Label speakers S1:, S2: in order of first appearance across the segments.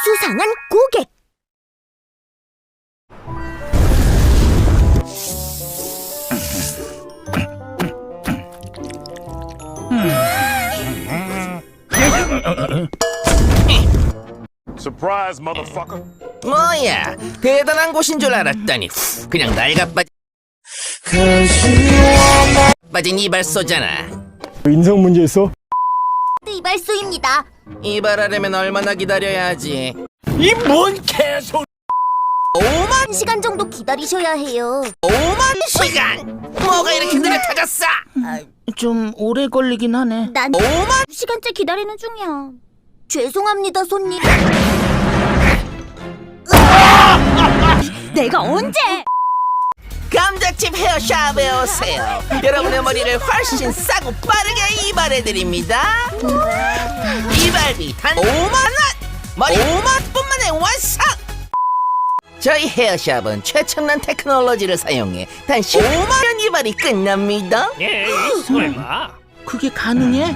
S1: 수상한 고객.
S2: Surprise, motherfucker.
S3: 뭐야, 대단한 곳인 줄 알았더니 그냥 낡아빠진 이발소잖아.
S4: 인성 문제 있어?
S1: 이발소입니다.
S3: 이발하려면 얼마나 기다려야 하지?
S5: 이 뭔 개소리!
S3: 5만
S1: 1시간 정도 기다리셔야 해요.
S3: 5만 시간! 뭐가 이렇게 느려 터졌어?
S5: 좀 오래 걸리긴 하네.
S1: 난
S3: 5만
S1: 2시간째 기다리는 중이야. 죄송합니다, 손님. 내가 언제?
S3: 감자칩 헤어샵에 오세요. 여러분의 머리를 훨씬 싸고 빠르게 이발해드립니다. 이발비 단 5만 원! 머리 5만 분만에 완성! 저희 헤어샵은 최첨단 테크놀로지를 사용해 단 15만 원 이발이 끝납니다.
S5: 에이, 설마. 그게 가능해?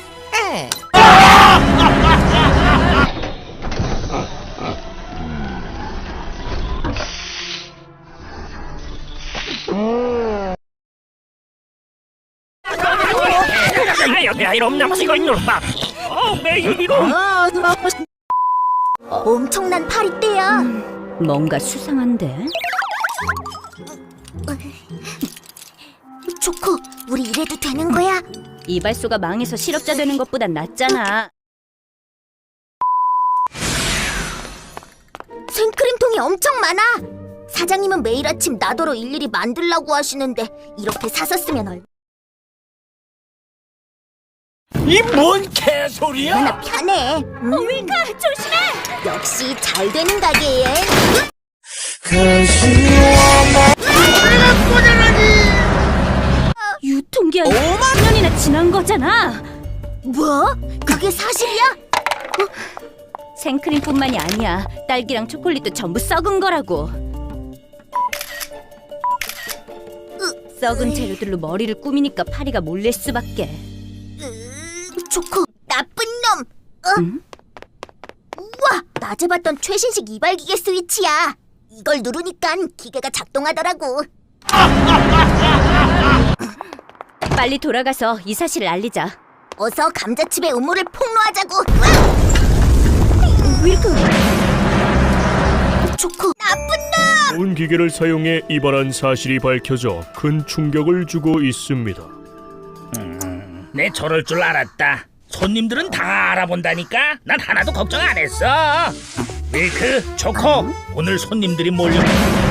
S5: 야, 이놈 남치고 있는 놈아. 매일이로.
S1: 엄청난 파리떼야.
S6: 뭔가 수상한데?
S1: 초코, 우리 이래도 되는 거야?
S6: 이발소가 망해서 실업자 되는 것보단 낫잖아.
S1: 생크림통이 엄청 많아. 사장님은 매일 아침 나더러 일일이 만들라고 하시는데 이렇게 사서 쓰면 얼마나
S5: 이 뭔 개소리야?
S1: 편해. 윌카, 조심해. 역시 잘 되는 가게에.
S6: 유통기한
S3: 5만
S6: 5년이나 지난 거잖아.
S1: 뭐? 그게 사실이야?
S6: 생크림뿐만이 아니야. 딸기랑 초콜릿도 전부 썩은 거라고. 썩은 재료들로 머리를 꾸미니까 파리가 몰릴 수밖에.
S1: 초코, 나쁜 놈. 우와, 낮에 봤던 최신식 이발기계 스위치야. 이걸 누르니까 기계가 작동하더라고.
S6: 빨리 돌아가서 이 사실을 알리자.
S1: 어서 감자칩의 음모를 폭로하자고.
S6: 윌크!
S1: 초코, 나쁜 놈.
S4: 온 기계를 사용해 이발한 사실이 밝혀져 큰 충격을 주고 있습니다.
S5: 내 저럴 줄 알았다. 손님들은 다 알아본다니까. 난 하나도 걱정 안 했어. 밀크, 초코, 오늘 손님들이 몰려.